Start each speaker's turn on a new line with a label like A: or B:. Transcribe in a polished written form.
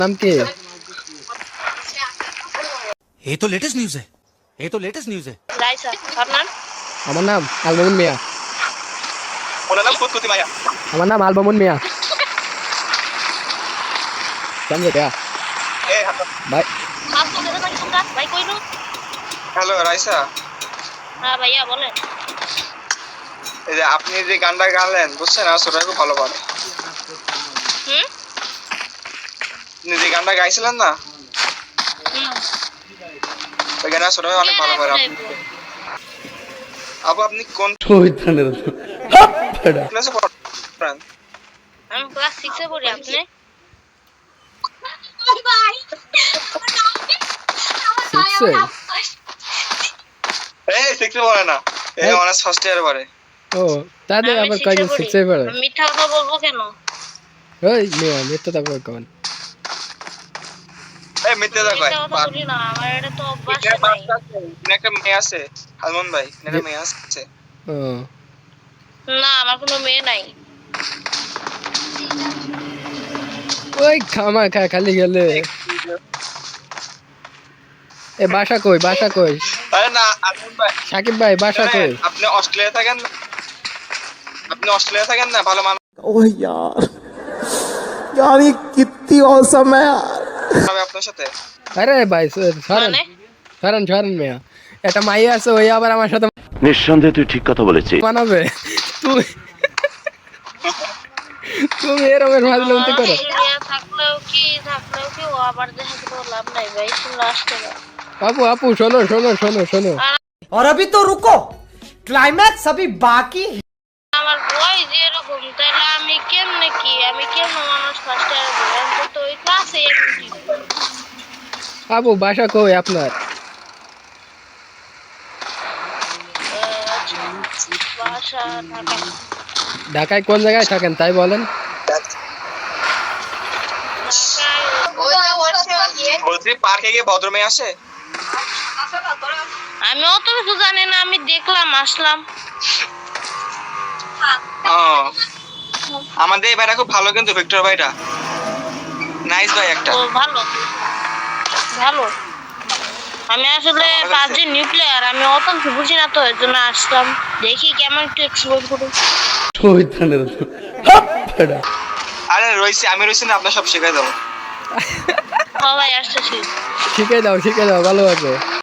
A: नाम के
B: ये तो लेटेस्ट न्यूज़ है। ये तो लेटेस्ट न्यूज़ है।
C: राइसा और नाम
A: আমার নাম আলমামুন মিয়া।
D: ওনার নাম ফুতকুতি মাইয়া।
A: আমার নাম আলমামুন মিয়া। समझे क्या भाई?
C: आप तो कहते ना सुनता भाई कोई नो।
D: হ্যালো রাইসা,
C: हाँ भैया बोले।
D: এই যে আপনি যে গানটা গাইলেন বুঝছেন, আসলে খুব ভালো পারে। আপনি যে গানটা গাইছিলেন না, ওই গানটা আসলে অনেক ভালো পারে। আপু আপনি কোন ক্লাসে পড়েন?
C: हम क्लास 6 से पढ़े आपने।
D: এই 6 এ পড়ে না, এই অনার্স ফার্স্ট ইয়ারে পড়ে।
A: ও তাদের আবার কয়জন শিখছে পড়ে?
C: মিথ্যা কথা বলবো কেন?
A: ওই মিয়া মিথ্যা কথা কন।
D: এই মিথ্যা কথা কয়।
C: মিথ্যা কথা বলি না, আমার এটা তো অভ্যাস
D: এটা
C: নাই।
D: একটা মেয়ে আছে, হালমন ভাই, একটা মেয়ে আছে।
A: ও
C: না আমার কোনো মেয়ে নাই।
A: ওই খামা খা খালি গেলে এ বাসা কই বাসা কই?
D: আরে না হালমন ভাই,
A: সাকিব ভাই বাসা কই?
D: আপনি অস্ট্রেলিয়া থাকেন না? আপনি অস্ট্রেলিয়া থাকেন না? ভালো মানুষ
E: ओह यार यार ये कितनी औसम है यार।
D: হবে আপনার সাথে।
A: আরে ভাই সরেন
C: মানে
A: সরেন সরেন মিয়া, এটা মাইয়া আছে ওই আবার আমার সাথে
F: নিঃসন্দেহে তুই ঠিক কথা বলেছিস।
A: মানাবে। তুমি তুমি এরকমের ফাজলামতি করো।
C: অস্ট্রেলিয়া থাকলেও কি ও আবার দেখে তো লাভ নাই ভাই, শুনলে আসতে না।
A: আপু আপু শোনো শোনো শোনো শোনো
G: और अभी तो रुको, क्लाइमैक्स अभी बाकी है।
C: আমার বয়স এরকম, তাহলে আমি কেমনে মানুষ ফার্স্ট ইয়ারে বলেন তো ওই ক্লাসে
A: আপু বাসা কই আপনার?
C: বাসা ঢাকা।
A: ঢাকায় কোন জায়গায় থাকেন তাই বলেন?
D: বলছি পার্কে গিয়ে ভদ্র মেয়ে আসে?
C: আমি অত কিছু জানি না, আমি দেখলাম আসলাম।
D: আমাদের এই ভাইটা খুব ভালো, কিন্তু ভিক্টর ভাইটা নাইস ভাই একটা।
C: ও ভালো ভালো। আমি আসলে 5 দিন নিউ প্লেয়ার, আমি অত কিছু বুঝি না, তো এর জন্য আসলাম দেখি কেমন একটু এক্সপ্লোর করি।
D: আরে আমি রয়েছি না, আপনার সব শেখাই দেবো।
C: সবাই আসতেছি।
A: শিখে দাও ভালো আছে।